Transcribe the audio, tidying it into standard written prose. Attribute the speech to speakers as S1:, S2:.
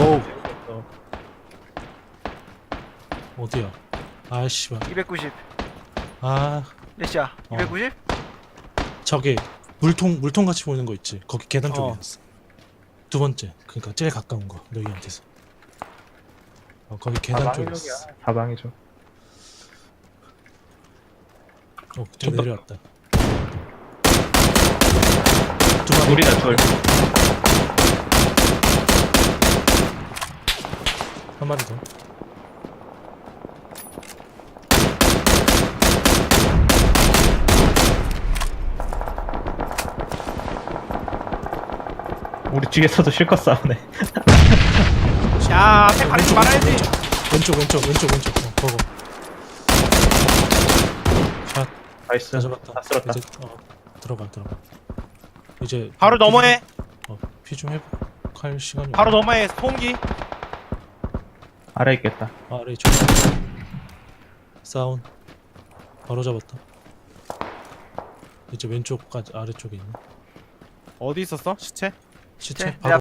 S1: 오.
S2: 어.
S1: 어디야? 아씨발.
S3: 290.
S1: 아
S3: 몇이야?
S1: 어.
S3: 290?
S1: 저기 물통 같이 보이는 거 있지? 거기 계단 쪽에
S2: 어.
S1: 있어. 두 번째. 그러니까 제일 가까운 거 너희한테서. 거기 계단 쪽에 있어.
S2: 사방이죠.
S1: 저 내려왔다. 두 마리.
S2: 둘이다 둘.
S1: 한 마리 더.
S2: 우리 쪽에서도 실컷 싸우네.
S3: 야, 앞에 가리지 말아야지.
S1: 왼쪽. 거거. 샷.
S2: 나이스.
S1: 다 잡았다.
S2: 다 쓸었다.
S1: 이제 들어가. 이제
S4: 바로 넘어해.
S1: 피 좀 회복할 시간이.
S4: 바로 넘어해. 소음기.
S2: 아래 있겠다.
S1: 아래 쪽. 사운. 바로 잡았다. 이제 왼쪽까지 아래쪽에 있네.
S4: 어디 있었어? 시체?
S1: 시체
S3: 네,
S1: 바로